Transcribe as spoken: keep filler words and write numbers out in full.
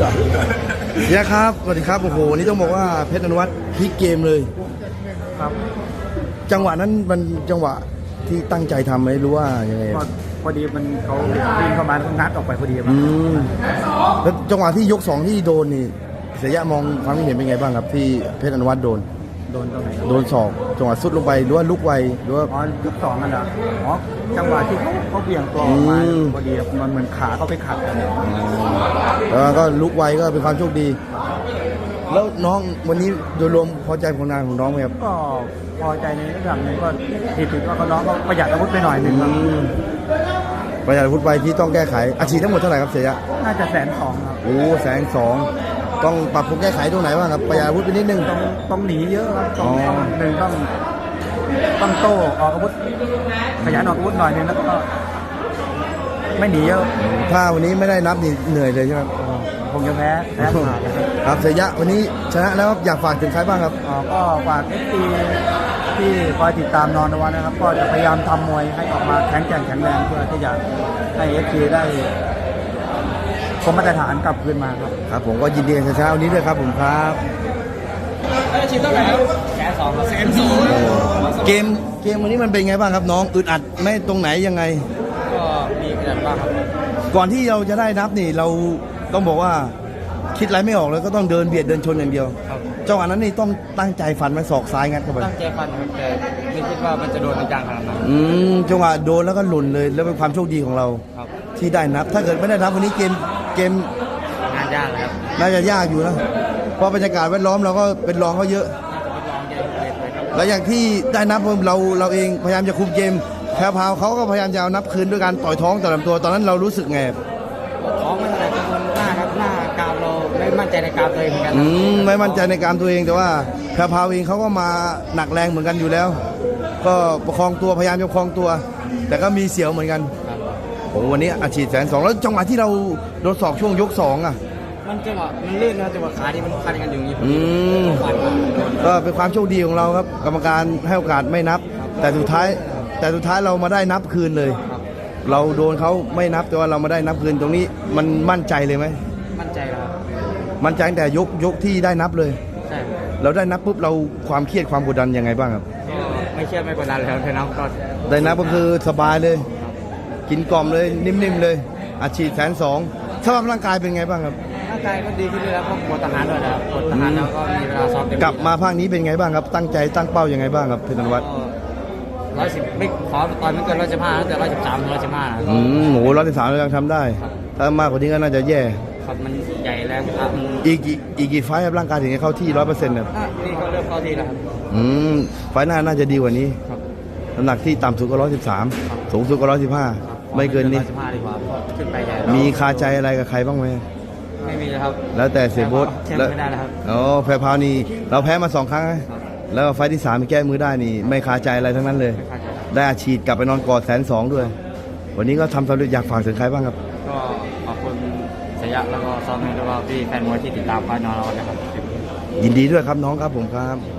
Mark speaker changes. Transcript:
Speaker 1: เฮียครับสวัสดีครับโอ้โหนี่ต้องบอกว่าเพชรอนุวัฒน์พลิกเกมเลย
Speaker 2: ครับ
Speaker 1: จังหวะนั้นมันจังหวะที่ตั้งใจทำไหมรู้ว่ายังไง
Speaker 2: พอพอดีมันเขาวิ่งเข้ามางัดออกไปพอดี
Speaker 1: อืมแล้วจังหวะที่ยกสองที่โดนนี่เสียยะมองความคิดเห็นเป็นไงบ้างครับที่เพชรอนุวัฒน์โดน
Speaker 2: โดนตรงไหน
Speaker 1: โดนศอกจังหวะสุดลงไปหรือว่าลุกไวหรือว่า
Speaker 2: อ๋อยกสองนั่นแหละอ๋อจังหวะที่เขาเขาเบี่ยงตัวออกมาพอดีมันเหมือนขาเขาไปขัดกัน
Speaker 1: แล้วก็ลุกไวก็เป็นความโชคดีแล้วน้องวันนี้โดยรวมพอใจผลงานของน้องไหมครับ
Speaker 2: ก็พอใจในระดับหนึ่งก็ผิดถึงว่าเขาน้องเขาประหยัดอาวุธไปหน่อยหนึ่งครับ
Speaker 1: ประหยัดอาวุธไปที่ต้องแก้ไขอาชีพทั้งหมดเท่าไหร่ครับเสียยะ
Speaker 2: น่าจะแสนสองครับ
Speaker 1: โอ้แสนสองต้องปรับปรุงแก้ไขตรงไหนบ้างครับประหยัดอาวุธไปนิดนึง
Speaker 2: ต้องต้องหนีเยอะครับต้องหนึ่งต้องต้องโต้ออกอาวุธขยันออกอาวุธหน่อยนึงแล้วก็ไม่หนีเยอะ
Speaker 1: ถ้าวันนี้ไม่ได้นับนี่เหนื่อยเลยใช่ไหม
Speaker 2: คงจะแพ้แพ้ขาด
Speaker 1: ครับเสียยะวันนี้ชนะแล้วอยากฝากถึงใครบ้างครับ
Speaker 2: ก็ฝากเอฟซีที่คอยติดตามนอนวันนะครับก็จะพยายามทำมวยให้ออกมาแข็งแกร่งแข็งแรงเพื่อที่จะให้เอฟซีได้คงมาตรฐานกลับคืนมาครับ
Speaker 1: ครับผมก็ยินดีกับเช้านี้ด้วยครับผมครับ
Speaker 2: ชิ้นเท่าไหร่ครับแสนสองแสนสอง
Speaker 1: เกมเกมวันนี้มันเป็นไงบ้างครับน้องอึดอัดไม่ตรงไหนยังไง
Speaker 2: ก็มีอึดอัดบ้างครับ
Speaker 1: ก่อนที่เราจะได้นับนี่เราต้องบอกว่าคิดอะไรไม่ออกเลยก็ต้องเดินเบียดเดินชนอย่างเดียวจังหวะนั้นนี่ต้องตั้งใจฟันมันศอกซ้ายงัดเข้าไป
Speaker 2: ตั้งใจฟันครับแต่ไม่คิดว่ามันจะโดนจังขนาดนั้น
Speaker 1: อืมจังหวะโดนแล้วก็หล่นเลยแล้วเป็นความโชคดีของเราที่ได้นับถ้าเกิดไม่ได้นับวันนี้เกมเกม
Speaker 2: งานยากครับ
Speaker 1: น่าจะยากอยู่นะเพราะบรรยากาศแวดล้อมเราก็เป็นรองเขาเยอะแล้วอย่างที่ได้นับเราเราเองพยายามจะคุมเกมแพรวพาวเขาก็พยายามจะเอานับคืนด้วยการต่อยท้องต่อยลำตัวตอนนั้นเรารู้สึกไง
Speaker 2: ท้องไม่เท่าไหร่กังวลหน้าครับหน้ากามเราไม่มั่นใจในกามตัวเองเหมือนกัน
Speaker 1: อืมไม่มั่นใจในกามตัวเองแต่ว่าแพรวพาวเองเขาก็มาหนักแรงเหมือนกันอยู่แล้วก็ประคองตัวพยายามจะประคองตัวแต่ก็มีเสียวเหมือนกันโอ้วันนี้อาชีพแสนสองแล้วจังหวะที่เราโดนศอกช่วงยกสองอ่ะ
Speaker 2: มันจังหวะมันลื่นนะจังหวะขาที่มันพันกันอยู่อย่างนี้
Speaker 1: อืมก็เป็นความโชคดีของเราครับกรรมการให้โอกาสไม่นับแต่สุดท้ายแต่สุดท้ายเรามาได้นับคืนเลยเราโดนเขาไม่นับแต่ว่าเรามาได้นับคืนตรงนี้มันมั่นใจเลยไหม
Speaker 2: มั่นใจครับ
Speaker 1: มั่นใจแต่ยกยกที่ได้นับเลย
Speaker 2: ใช่
Speaker 1: เราได้นับปุ๊บเราความเครียดความกดดันยังไงบ้างครับ
Speaker 2: ไม่เครียดไม่กดดันเลยครับได้นับก็
Speaker 1: ได้นับก็คือสบายเลยกินกล่อมเลยนิ่มๆเลยอาชีพแสนสองสภาพร่างกายเป็นไงบ้างครับ
Speaker 2: ร่างกายก็ดีขึ้นแล้วเพราะปวดทหารด้วยนะครับปวดทหารแล้วก็มีเวลาซ้อม
Speaker 1: กลับมาภาคนี้เป็นไงบ้างครับตั้งใจตั้งเป้ายังไงบ้างครับเพชรอนุวัฒน์
Speaker 2: ร้อยสิบไม่ขอตอนไม่เกินร้อยสิบห้าแต่ร้อยสิบสามร้อยสิบห้า
Speaker 1: อืมโหร้อยสิบสามเรายังทำได้ถ้ามากกว่านี้ก็น่าจะแย่
Speaker 2: ครับมันใหญ่แล้วครับ
Speaker 1: อีกอีกกี่ไฟครับร่างกายถึงจะเข้าที่ร้อยเปอร์เซ็นต์ครับ
Speaker 2: นี่ก็เริ่มเข้าที่แล้วครับ
Speaker 1: อืมไฟหน้าน่าจะดีกว่านี้น้ำหนักที่ต่ำสุดก็ร้อยสิบสามสูงสุดก็ร้อยสิบห้าไม่เกินนี้
Speaker 2: ขึ้นไปใหญ่
Speaker 1: มีคาใจอะไรกับใครบ้างไหม
Speaker 2: ไม่มีเลยครับ
Speaker 1: แล้วแต่เสียโบ๊ท
Speaker 2: แล้วไม่ได้แล้วครับ
Speaker 1: อ๋อแพ้พาวนี่เราแพ้มาสองครั้งแล้วไฟที่สามแก้มือได้นี่ไม่คาใจอะไรทั้งนั้นเลยได้อาชีพกลับไปนอนกอดแสนสองด้วยวันนี้ก็ทำสำเร็จอยากฝากถึงใครบ้างครับ
Speaker 2: ก็ขอบคุณเสียยะแล้วก็ซ้อมให้ด้วยว่าพี่แฟนมวยที่ติดตามคอยนอนเรานะครับ
Speaker 1: ยินดีด้วยครับน้องครับผมครับ